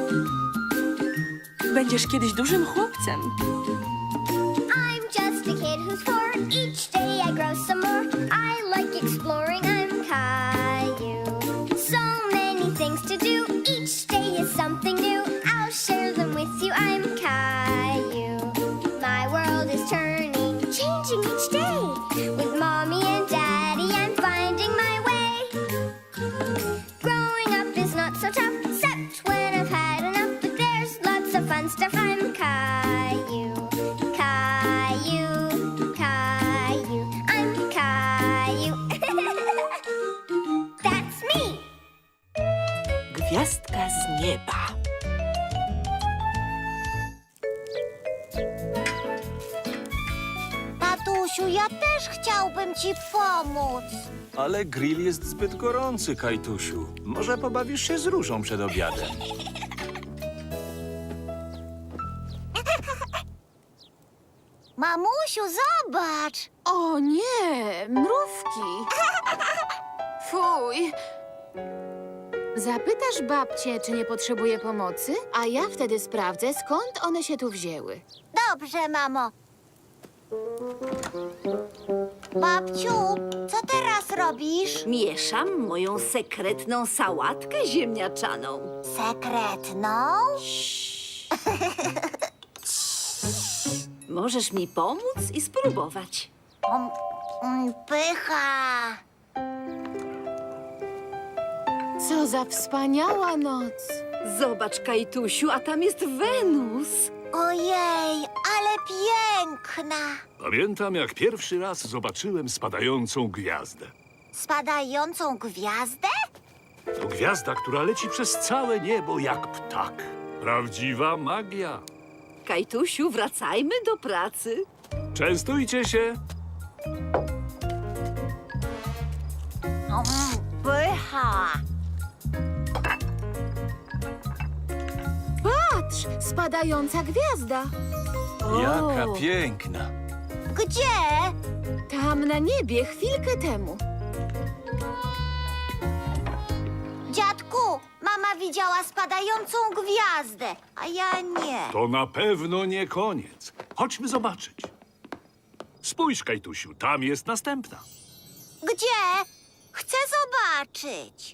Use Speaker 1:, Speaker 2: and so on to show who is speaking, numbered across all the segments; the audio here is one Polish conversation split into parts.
Speaker 1: Będziesz kiedyś dużym chłopcem.
Speaker 2: I'm just a kid who's 4. Each day I grow some more. I like exploring. I'm Caillou. So many things to do. Each day is something new. I'll share them with you. I'm Caillou. My world is turning, changing each day. With mommy and daddy, I'm finding my way. Growing up is not so tough, except when I've had enough. But there's lots of fun stuff. I'm Caillou. Caillou, Caillou, I'm Caillou. That's me.
Speaker 1: Gwiazdka z nieba.
Speaker 2: Tatusiu, ja też chciałbym ci pomóc.
Speaker 3: Ale grill jest zbyt gorący, Kajtusiu. Może pobawisz się z Różą przed obiadem?
Speaker 2: Mamusiu, zobacz.
Speaker 4: O nie, mrówki. Fuj. Zapytasz babcię, czy nie potrzebuje pomocy, a ja wtedy sprawdzę, skąd one się tu wzięły.
Speaker 2: Dobrze, mamo. Babciu, co teraz robisz?
Speaker 5: Mieszam moją sekretną sałatkę ziemniaczaną.
Speaker 2: Sekretną?
Speaker 5: Możesz mi pomóc i spróbować.
Speaker 2: Pycha.
Speaker 4: Co za wspaniała noc.
Speaker 5: Zobacz, Kajtusiu, a tam jest Wenus.
Speaker 2: Ojej, ale piękna.
Speaker 6: Pamiętam, jak pierwszy raz zobaczyłem spadającą gwiazdę.
Speaker 2: Spadającą gwiazdę?
Speaker 6: To gwiazda, która leci przez całe niebo jak ptak. Prawdziwa magia.
Speaker 5: Kajtusiu, wracajmy do pracy.
Speaker 6: Częstujcie się.
Speaker 2: Pycha.
Speaker 4: Patrz, spadająca gwiazda.
Speaker 3: Jaka piękna.
Speaker 2: Gdzie?
Speaker 4: Tam na niebie chwilkę temu.
Speaker 2: Dziadku, mama widziała spadającą gwiazdę, a ja nie.
Speaker 6: To na pewno nie koniec. Chodźmy zobaczyć. Spójrz, Kajtusiu, tam jest następna.
Speaker 2: Gdzie? Chcę zobaczyć.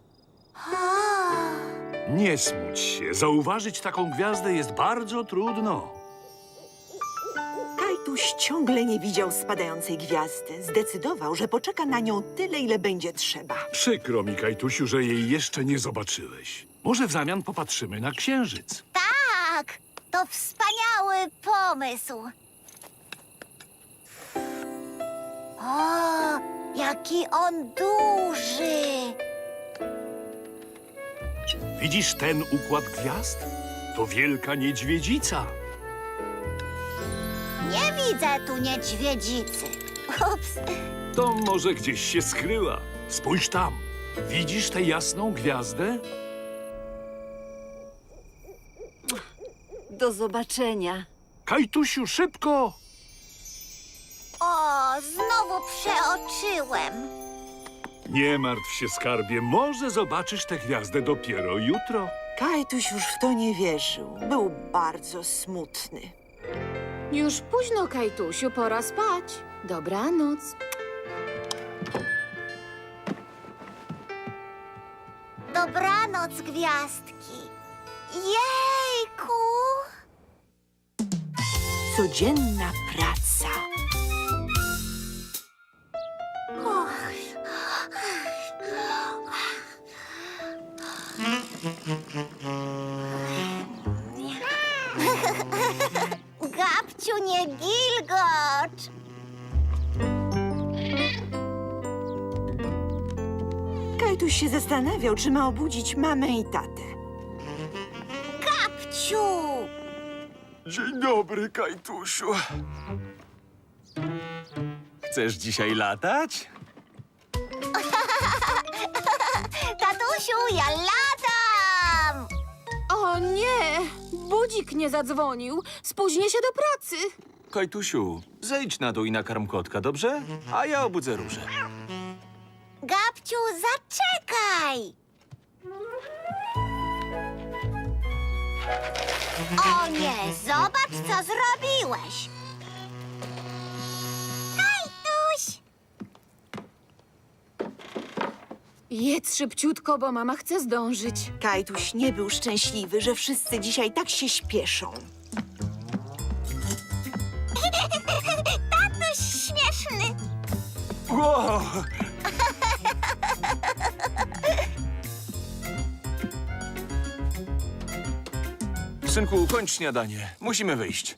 Speaker 6: Nie smuć się. Zauważyć taką gwiazdę jest bardzo trudno.
Speaker 7: Kajtuś ciągle nie widział spadającej gwiazdy. Zdecydował, że poczeka na nią tyle, ile będzie trzeba.
Speaker 6: Przykro mi, Kajtusiu, że jej jeszcze nie zobaczyłeś. Może w zamian popatrzymy na księżyc.
Speaker 2: Tak, to wspaniały pomysł. O, jaki on duży.
Speaker 6: Widzisz ten układ gwiazd? To wielka niedźwiedzica.
Speaker 2: Nie widzę tu niedźwiedzicy. Ups.
Speaker 6: To może gdzieś się skryła. Spójrz tam. Widzisz tę jasną gwiazdę?
Speaker 5: Do zobaczenia.
Speaker 6: Kajtusiu, szybko!
Speaker 2: O, znowu przeoczyłem.
Speaker 6: Nie martw się, skarbie. Może zobaczysz tę gwiazdę dopiero jutro.
Speaker 7: Kajtuś już w to nie wierzył. Był bardzo smutny.
Speaker 4: Już późno, Kajtusiu, pora spać. Dobranoc.
Speaker 2: Dobranoc, gwiazdki. Jejku!
Speaker 7: Codzienna praca.
Speaker 2: Gabciu, nie gilgocz!
Speaker 7: Kajtuś się zastanawiał, czy ma obudzić mamę i tatę.
Speaker 2: Gabciu!
Speaker 3: Dzień dobry, Kajtusiu. Chcesz dzisiaj latać?
Speaker 2: Tatusiu, ja latam!
Speaker 4: O nie! Budzik nie zadzwonił. Spóźnię się do pracy.
Speaker 3: Kajtusiu, zejdź na dół i nakarm kotka, dobrze? A ja obudzę Różę.
Speaker 2: Gabciu, zaczekaj! O nie, zobacz, co zrobiłeś. Kajtuś!
Speaker 4: Jedz szybciutko, bo mama chce zdążyć.
Speaker 7: Kajtuś nie był szczęśliwy, że wszyscy dzisiaj tak się śpieszą.
Speaker 2: Tatuś śmieszny.
Speaker 3: Wow! Synku, kończ śniadanie. Musimy wyjść.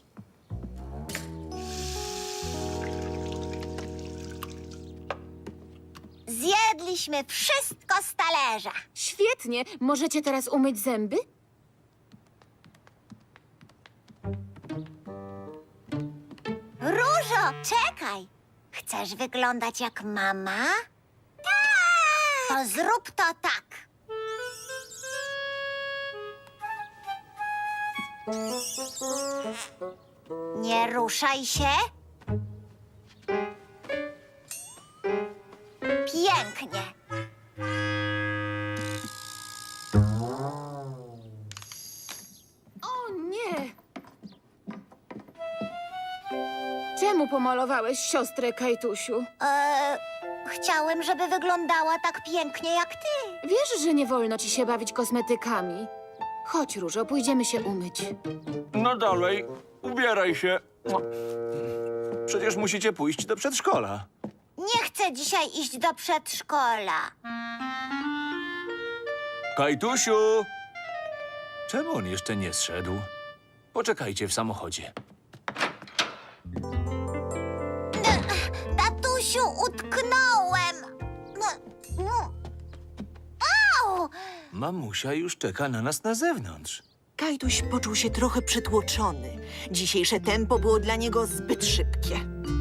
Speaker 2: Zjedliśmy wszystko z talerza.
Speaker 4: Świetnie. Możecie teraz umyć zęby?
Speaker 2: Różo, czekaj. Chcesz wyglądać jak mama? Tak! To zrób to tak. Nie ruszaj się. Pięknie.
Speaker 4: O nie! Czemu pomalowałeś siostrę, Kajtusiu?
Speaker 2: Chciałem, żeby wyglądała tak pięknie jak ty.
Speaker 4: Wiesz, że nie wolno ci się bawić kosmetykami. Chodź, Różo, pójdziemy się umyć.
Speaker 3: No dalej, ubieraj się. Przecież musicie pójść do przedszkola.
Speaker 2: Nie chcę dzisiaj iść do przedszkola.
Speaker 3: Kajtusiu! Czemu on jeszcze nie zszedł? Poczekajcie w samochodzie.
Speaker 2: Tatusiu, utknąłem. Au!
Speaker 3: Mamusia już czeka na nas na zewnątrz.
Speaker 7: Kajtuś poczuł się trochę przytłoczony. Dzisiejsze tempo było dla niego zbyt szybkie.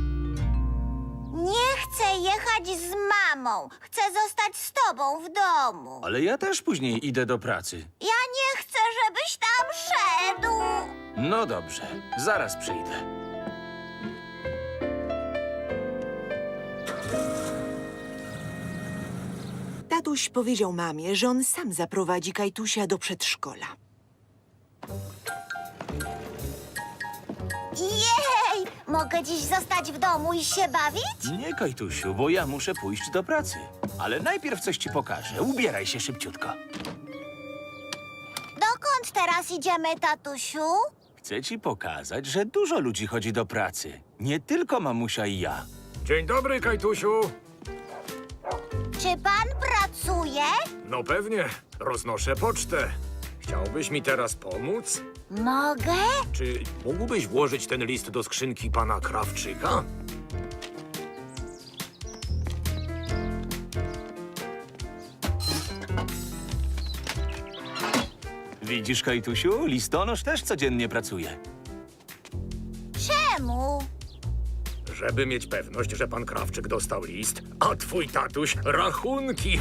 Speaker 2: Nie chcę jechać z mamą. Chcę zostać z tobą w domu.
Speaker 3: Ale ja też później idę do pracy.
Speaker 2: Ja nie chcę, żebyś tam szedł.
Speaker 3: No dobrze, zaraz przyjdę.
Speaker 7: Tatuś powiedział mamie, że on sam zaprowadzi Kajtusia do przedszkola.
Speaker 2: Jej! Mogę dziś zostać w domu i się bawić?
Speaker 3: Nie, Kajtusiu, bo ja muszę pójść do pracy. Ale najpierw coś ci pokażę. Ubieraj się szybciutko.
Speaker 2: Dokąd teraz idziemy, tatusiu?
Speaker 3: Chcę ci pokazać, że dużo ludzi chodzi do pracy. Nie tylko mamusia i ja.
Speaker 8: Dzień dobry, Kajtusiu.
Speaker 2: Czy pan pracuje?
Speaker 8: No pewnie, roznoszę pocztę. Chciałbyś mi teraz pomóc?
Speaker 2: Mogę?
Speaker 8: Czy mógłbyś włożyć ten list do skrzynki pana Krawczyka?
Speaker 3: Widzisz, Kajtusiu, listonosz też codziennie pracuje.
Speaker 2: Czemu?
Speaker 8: Żeby mieć pewność, że pan Krawczyk dostał list, a twój tatuś rachunki.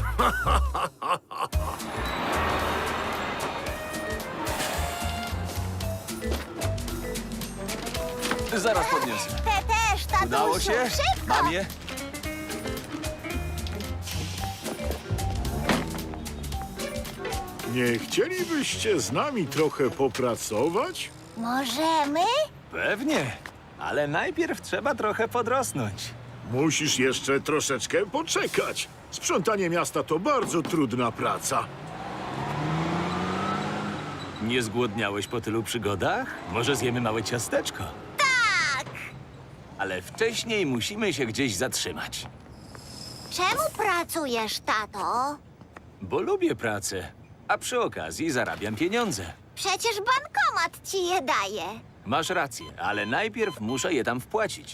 Speaker 3: Zaraz podniosę.
Speaker 2: Te też, tatusiu.
Speaker 3: Udało się?
Speaker 2: Szybko.
Speaker 3: Mam je?
Speaker 9: Nie chcielibyście z nami trochę popracować?
Speaker 2: Możemy?
Speaker 3: Pewnie. Ale najpierw trzeba trochę podrosnąć.
Speaker 9: Musisz jeszcze troszeczkę poczekać. Sprzątanie miasta to bardzo trudna praca.
Speaker 3: Nie zgłodniałeś po tylu przygodach? Może zjemy małe ciasteczko?
Speaker 2: Tak.
Speaker 3: Ale wcześniej musimy się gdzieś zatrzymać.
Speaker 2: Czemu pracujesz, tato?
Speaker 3: Bo lubię pracę, a przy okazji zarabiam pieniądze.
Speaker 2: Przecież bankomat ci je daje.
Speaker 3: Masz rację, ale najpierw muszę je tam wpłacić.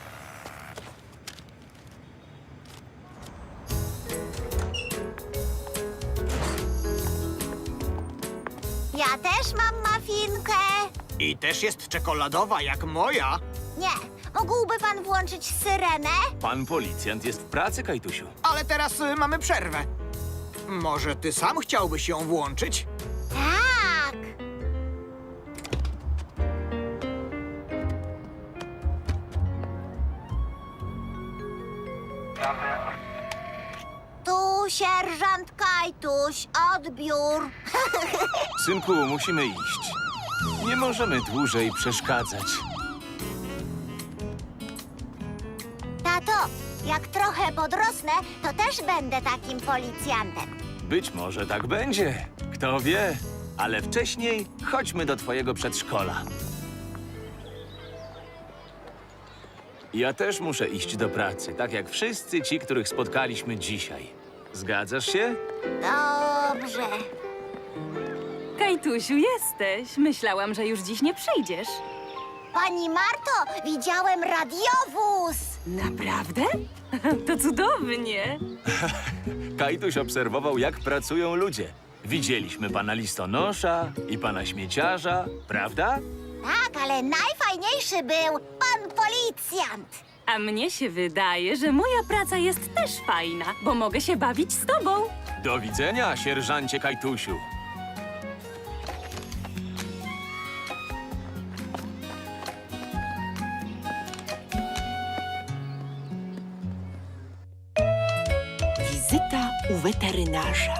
Speaker 2: Ja też mam mafinkę.
Speaker 10: I też jest czekoladowa jak moja.
Speaker 2: Nie. Mógłby pan włączyć syrenę?
Speaker 3: Pan policjant jest w pracy, Kajtusiu.
Speaker 10: Ale teraz mamy przerwę. Może ty sam chciałbyś ją włączyć?
Speaker 2: Tak. Tu sierżant Kaj. Kajtuś, odbiór.
Speaker 3: Synku, musimy iść. Nie możemy dłużej przeszkadzać.
Speaker 2: Tato, jak trochę podrosnę, to też będę takim policjantem.
Speaker 3: Być może tak będzie. Kto wie? Ale wcześniej chodźmy do twojego przedszkola. Ja też muszę iść do pracy, tak jak wszyscy ci, których spotkaliśmy dzisiaj. Zgadzasz się?
Speaker 2: Dobrze.
Speaker 5: Kajtusiu, jesteś. Myślałam, że już dziś nie przyjdziesz.
Speaker 2: Pani Marto, widziałem radiowóz.
Speaker 5: Naprawdę? To cudownie.
Speaker 3: Kajtuś obserwował, jak pracują ludzie. Widzieliśmy pana listonosza i pana śmieciarza, prawda?
Speaker 2: Tak, ale najfajniejszy był pan policjant.
Speaker 5: A mnie się wydaje, że moja praca jest też fajna, bo mogę się bawić z tobą.
Speaker 3: Do widzenia, sierżancie Kajtusiu.
Speaker 7: Wizyta u weterynarza.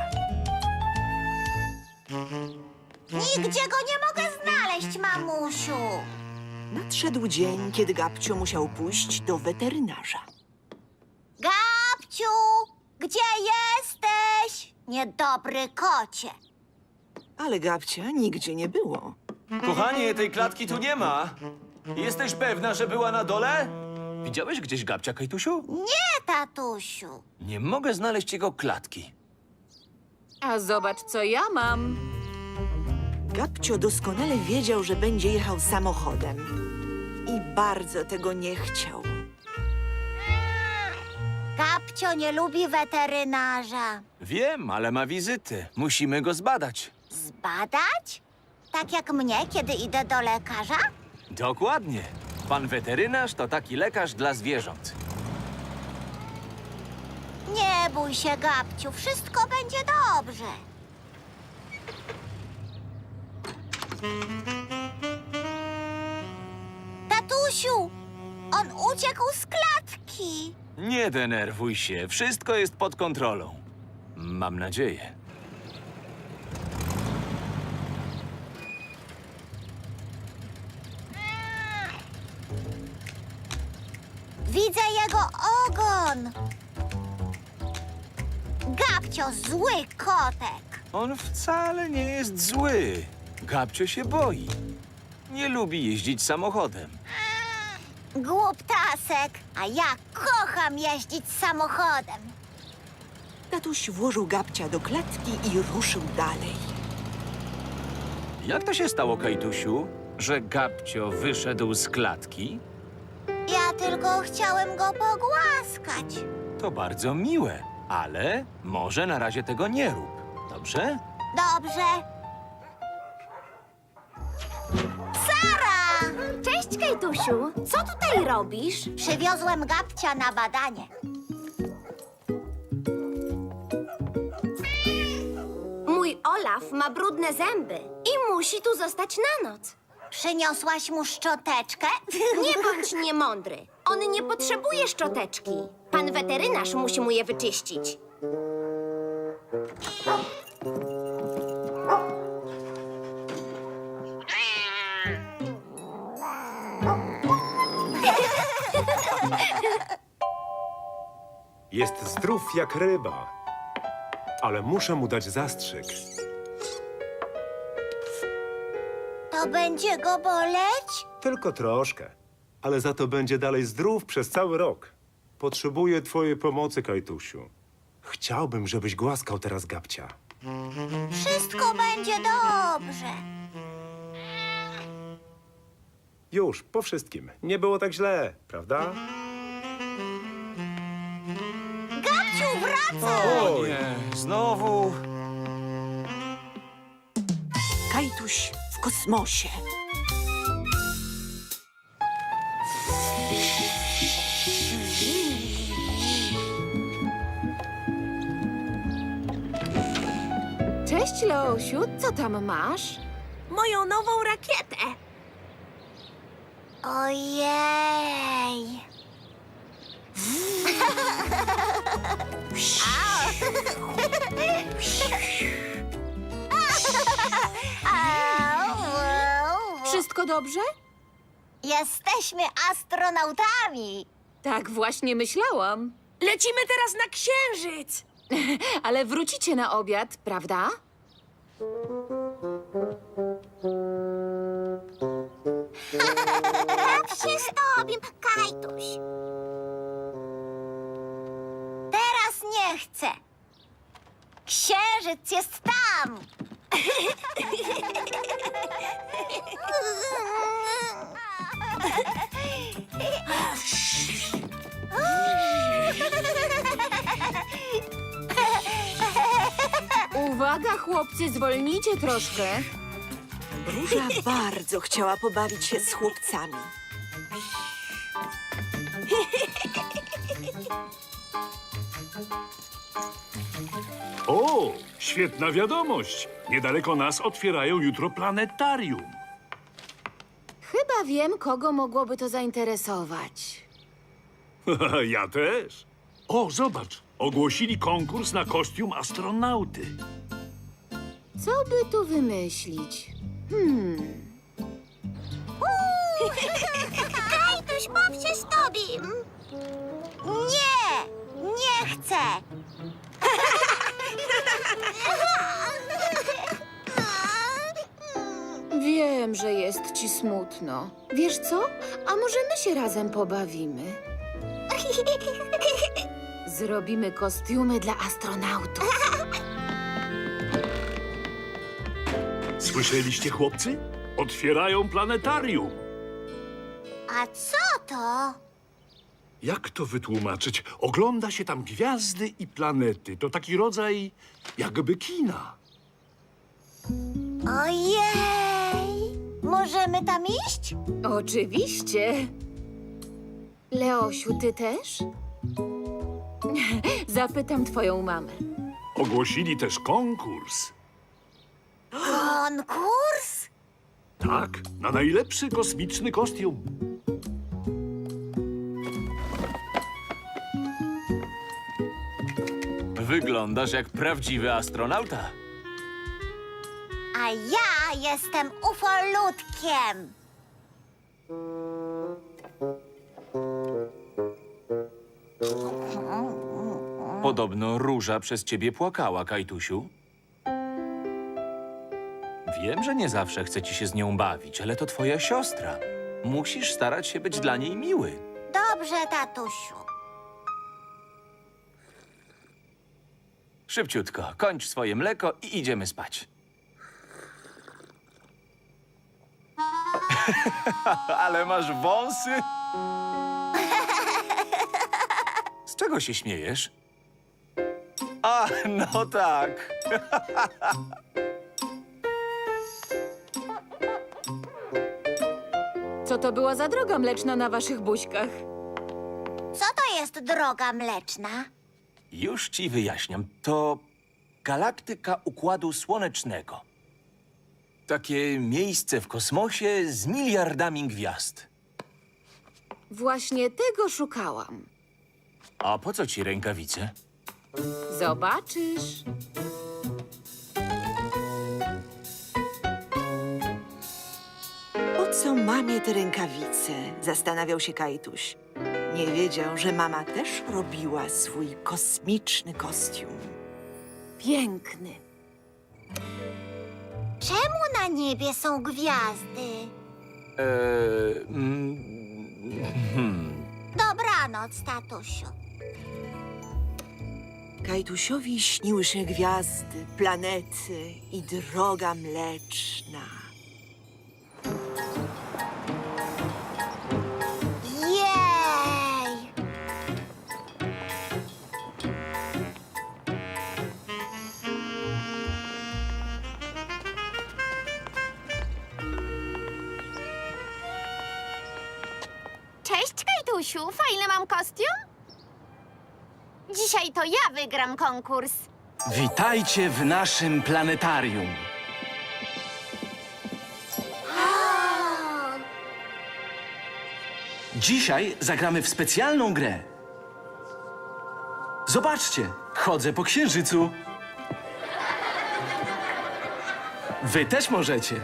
Speaker 2: Nigdzie go nie mogę znaleźć, mamusiu.
Speaker 7: Nadszedł dzień, kiedy Gabcio musiał pójść do weterynarza.
Speaker 2: Gabciu, gdzie jesteś? Niedobry kocie.
Speaker 7: Ale Gabcia nigdzie nie było.
Speaker 3: Kochanie, tej klatki tu nie ma. Jesteś pewna, że była na dole? Widziałeś gdzieś Gabcia, Kajtusiu?
Speaker 2: Nie, tatusiu.
Speaker 3: Nie mogę znaleźć jego klatki.
Speaker 4: A zobacz, co ja mam.
Speaker 7: Gabcio doskonale wiedział, że będzie jechał samochodem. I bardzo tego nie chciał.
Speaker 2: Gabcio nie lubi weterynarza.
Speaker 3: Wiem, ale ma wizyty. Musimy go zbadać.
Speaker 2: Zbadać? Tak jak mnie, kiedy idę do lekarza?
Speaker 3: Dokładnie. Pan weterynarz to taki lekarz dla zwierząt.
Speaker 2: Nie bój się, Gabciu, wszystko będzie dobrze. Tatusiu, on uciekł z klatki.
Speaker 3: Nie denerwuj się, wszystko jest pod kontrolą. Mam nadzieję.
Speaker 2: Widzę jego ogon. Gabcio, zły kotek.
Speaker 3: On wcale nie jest zły. Gabcio się boi. Nie lubi jeździć samochodem.
Speaker 2: Głuptasek, a ja kocham jeździć samochodem.
Speaker 7: Tatuś włożył Gabcia do klatki i ruszył dalej.
Speaker 3: Jak to się stało, Kajtusiu, że Gabcio wyszedł z klatki?
Speaker 2: Ja tylko chciałem go pogłaskać.
Speaker 3: To bardzo miłe, ale może na razie tego nie rób. Dobrze?
Speaker 2: Dobrze. Sara!
Speaker 11: Cześć, Kajtusiu. Co tutaj robisz?
Speaker 2: Przywiozłem Gabcia na badanie.
Speaker 11: Mój Olaf ma brudne zęby i musi tu zostać na noc.
Speaker 2: Przyniosłaś mu szczoteczkę?
Speaker 11: Nie bądź niemądry. On nie potrzebuje szczoteczki. Pan weterynarz musi mu je wyczyścić.
Speaker 12: Jest zdrów jak ryba, ale muszę mu dać zastrzyk.
Speaker 2: To będzie go boleć?
Speaker 12: Tylko troszkę, ale za to będzie dalej zdrów przez cały rok. Potrzebuję twojej pomocy, Kajtusiu. Chciałbym, żebyś głaskał teraz Gabcia.
Speaker 2: Wszystko będzie dobrze.
Speaker 12: Już, po wszystkim. Nie było tak źle, prawda?
Speaker 2: Gabciu, wracaj!
Speaker 3: O nie, znowu.
Speaker 7: Kajtuś w kosmosie.
Speaker 4: Cześć, Leosiu, co tam masz?
Speaker 11: Moją nową rakietę.
Speaker 2: Ojej.
Speaker 4: Wszystko dobrze?
Speaker 11: Jesteśmy astronautami.
Speaker 4: Tak właśnie myślałam.
Speaker 1: Lecimy teraz na księżyc!
Speaker 4: Ale wrócicie na obiad, prawda?
Speaker 11: Się z tobą, Kajtuś. Teraz nie chcę. Księżyc jest tam.
Speaker 4: Uwaga, chłopcy, zwolnijcie troszkę.
Speaker 7: Róża bardzo chciała pobawić się z chłopcami.
Speaker 6: O, świetna wiadomość. Niedaleko nas otwierają jutro planetarium.
Speaker 4: Chyba wiem, kogo mogłoby to zainteresować.
Speaker 6: Ja też. O, zobacz. Ogłosili konkurs na kostium astronauty.
Speaker 4: Co by tu wymyślić?
Speaker 11: Kajtuś, baw się z tobą. Nie, nie chcę.
Speaker 4: Wiem, że jest ci smutno. Wiesz co? A może my się razem pobawimy? Zrobimy kostiumy dla astronautów.
Speaker 6: Słyszeliście, chłopcy? Otwierają planetarium.
Speaker 11: A co to?
Speaker 6: Jak to wytłumaczyć? Ogląda się tam gwiazdy i planety. To taki rodzaj jakby kina.
Speaker 11: Ojej! Możemy tam iść?
Speaker 4: Oczywiście. Leosiu, ty też? Zapytam twoją mamę.
Speaker 6: Ogłosili też konkurs.
Speaker 11: Konkurs?
Speaker 6: Tak, na najlepszy kosmiczny kostium.
Speaker 3: Wyglądasz jak prawdziwy astronauta.
Speaker 11: A ja jestem ufolutkiem.
Speaker 3: Podobno Róża przez ciebie płakała, Kajtusiu. Wiem, że nie zawsze chce ci się z nią bawić, ale to twoja siostra. Musisz starać się być dla niej miły.
Speaker 11: Dobrze, tatusiu.
Speaker 3: Szybciutko, kończ swoje mleko i idziemy spać. Ale masz wąsy. Z czego się śmiejesz? A, no tak.
Speaker 4: Co to była za droga mleczna na waszych buźkach?
Speaker 11: Co to jest droga mleczna?
Speaker 3: Już ci wyjaśniam. To galaktyka Układu Słonecznego. Takie miejsce w kosmosie z miliardami gwiazd.
Speaker 4: Właśnie tego szukałam.
Speaker 3: A po co ci rękawice?
Speaker 4: Zobaczysz.
Speaker 7: Po co mamie te rękawice? Zastanawiał się Kajtuś. Nie wiedział, że mama też robiła swój kosmiczny kostium.
Speaker 4: Piękny.
Speaker 11: Czemu na niebie są gwiazdy? Dobranoc, tatusiu.
Speaker 7: Kajtusiowi śniły się gwiazdy, planety i droga mleczna.
Speaker 11: Jej!
Speaker 2: Cześć, Kajtusiu. Fajny mam kostium? Dzisiaj to ja wygram konkurs.
Speaker 13: Witajcie w naszym planetarium. Dzisiaj zagramy w specjalną grę. Zobaczcie, chodzę po księżycu. Wy też możecie.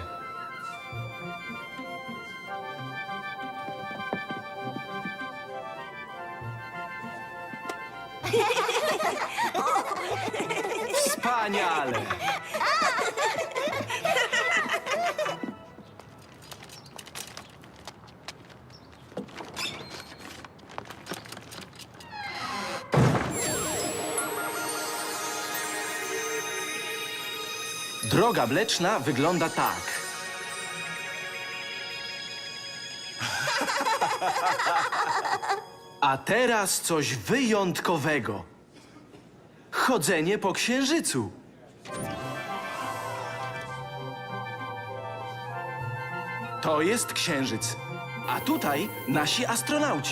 Speaker 13: Wspaniale! Droga Mleczna wygląda tak. A teraz coś wyjątkowego. Chodzenie po księżycu. To jest księżyc, a tutaj nasi astronauci.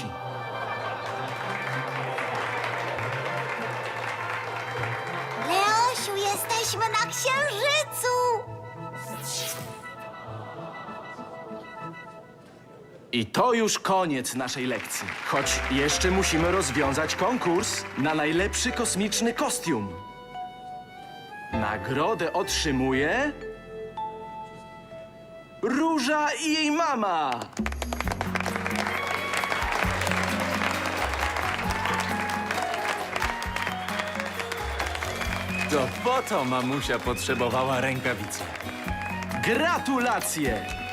Speaker 2: Leosiu, jesteśmy na księżycu!
Speaker 13: I to już koniec naszej lekcji. Choć jeszcze musimy rozwiązać konkurs na najlepszy kosmiczny kostium. Nagrodę otrzymuje... Róża i jej mama!
Speaker 3: To po to mamusia potrzebowała rękawicy.
Speaker 13: Gratulacje!